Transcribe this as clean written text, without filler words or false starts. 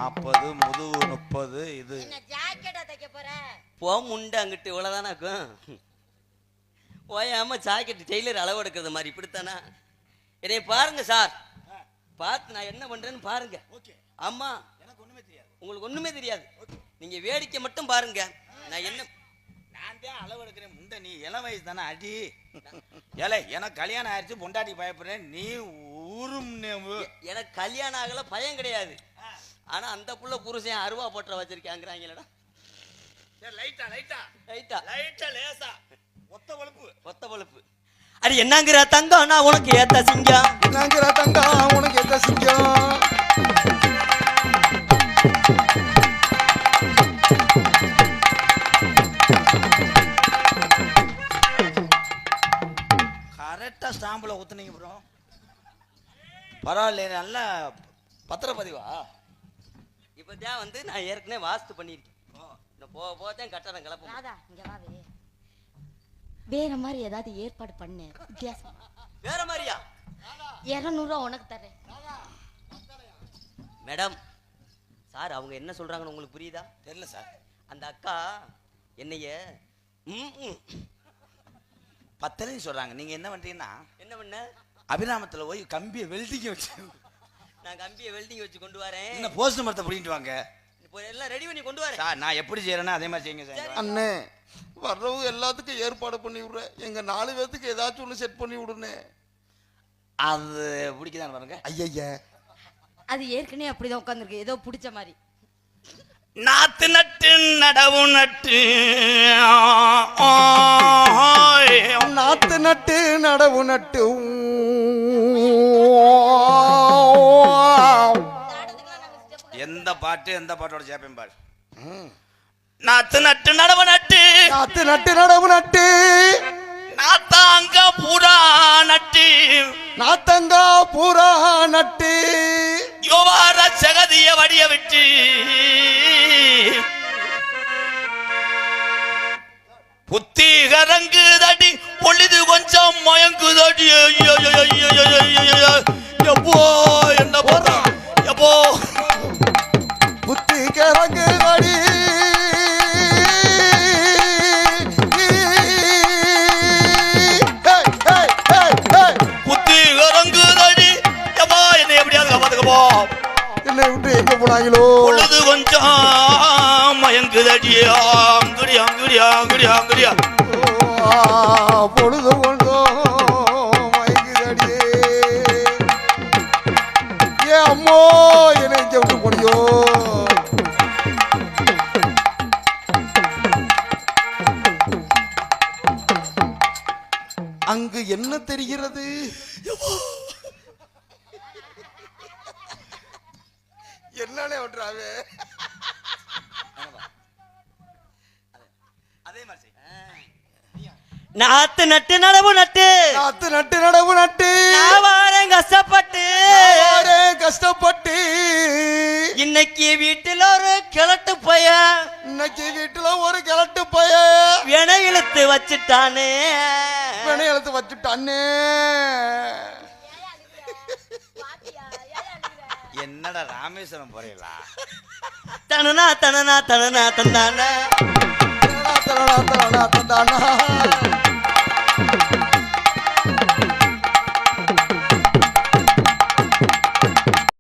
40, முதுகு 30. இது என்ன ஜாக்கெட்டா தைக்க போற? போ முண்டை அங்கிட்டு இவ்வளவுதானா இருக்கும். ஓயாம ஜாக்கெட் டெய்லர் அளவு எடுக்கிறது மாதிரி இப்படித்தானா? என்னை பாருங்க சார், பார்த்து நான் என்ன பண்றேன்னு பாருங்க. ஆமா, எனக்கு ஒண்ணுமே தெரியாது. உங்களுக்கு ஒண்ணுமே தெரியாது. நீங்க வேடிக்கை மட்டும் பாருங்க. நான் என்ன நான் தான் அளவு எடுக்கிறேன். முண்டை நீ இளம் வயசு தானே அடி. ஏலே எனக்கு கல்யாணம் ஆயிடுச்சு, பொண்டாட்டி பயப்படுறேன், நீ ஊரும். எனக்கு கல்யாணம் ஆகல, பயம் கிடையாது. ஆனா அந்த புள்ள புருஷன் அருவா போட்டுற வச்சிருக்காங்கிறாங்களடா. லைட்டா லைட்டா ரைட்டா லைட்டா லேசா ஒத்த பழுப்பு. அடி என்னங்கிற தங்கம் நான் உனக்கு ஏத்த சிங்கம். என்னங்கிற தங்கம் உனக்கு ஏத்த சிங்கம். கரெக்டா ஸ்டாம்புல ஊத்துனீங்க ப்ரோ. பரவாயில்ல, நல்ல பத்திரப்பதிவா. இப்பதான் வந்து நான் ஏற்கனவே வாஸ்து பண்ணிருக்கேன். இந்த போக போதான் கட்டடம் கிளப்ப. ராதா இங்க வாவே. வேற மாதிரி ஏதாவது ஏற்பாடு பண்ணு. வித்தியாசம். வேற மாதிரியா? 200 ரூபா உனக்கு தரேன். மேடம் சார், அவங்க என்ன சொல்றாங்கன்னு உங்களுக்கு புரியுதா? தெரியல சார். அந்த அக்கா என்னைய பத்தலைன்னு சொல்றாங்க. நீங்க என்ன பண்றீங்கன்னா, என்ன பண்ண? அபிராமத்துல போய் கம்பியை வெல்டிங்க வச்சு, நான் கம்பியை வெல்டிங் வச்சு கொண்டு வரேன். என்ன போஸ்ட் மரத்தை பிடிக்கிட்டு வாங்க. இப்போ எல்லாம் ரெடி பண்ணி கொண்டு வரேன் சார். நான் எப்படி செய்யறேன்னா அதே மாதிரி செய்யுங்க சார். அண்ணே, வர்றவங்க எல்லாத்துக்கும் ஏற்பாடு பண்ணி விடுறேன். எங்க 4 பேத்துக்கு ஏதாச்சும் ஒண்ணு செட் பண்ணி விடுனே. அது பிடிக்குதான் பாருங்க. ஐயா, அது ஏற்கனவே அப்படிதான் உட்கார்ந்துருக்கு, ஏதோ பிடிச்ச மாதிரி. நாத்து நட்டு நடவு நட்டு நாத்து நட்டு நடவு நட்டு எந்த பாட்டோட சேப்பேன் பாரு. நாத்து நட்டு நடவு நட்டு நாத்து நட்டு நடவு நட்டு நாத்தாங்க பூரா நட்டு நாத்தங்கா பூரா நட்டு யோவார சகதிய வடிய விட்டு புத்தி கரங்கு தடி பொழுது கொஞ்சம் மயங்கு தடி. எப்போ என்ன போறா எப்போ புத்தி கரங்கு தடி புத்தி கரங்கு தடி. எப்போ என்ன எப்படியாவது காப்பாத்துக்கப்போ. என்னை விட்டு எங்க போனாங்களோ. பொழுது கொஞ்சம் மயங்கு தடியா. அங்குடியா அங்குடியா அங்குடியா அங்குடியா பொழுது கொண்டோ மயங்குதடியே. ஏ அம்மோ, என்னை இங்க விட்டு போனியோ. அங்கு என்ன தெரிகிறது? என்னன்னே விட்டுறாவே. அதே மாதிரி நாத்து நட்டு நடவு நட்டு நாத்து நட்டு நடவு நட்டு நான் வாரேன் கஷ்டப்பட்டு. கஷ்டப்பட்டு இன்னைக்கு வீட்டுல ஒரு கிழட்டு பையன், இன்னைக்கு வீட்டுல ஒரு கிழட்டு பைய வினை இழுத்து வச்சுட்டானே. வினை எழுத்து வச்சுட்டானே. என்னடா ராமேஸ்வரம் போறீங்களா? தனனா தனனா தனனா தந்தானா தனனா தனனா தனனா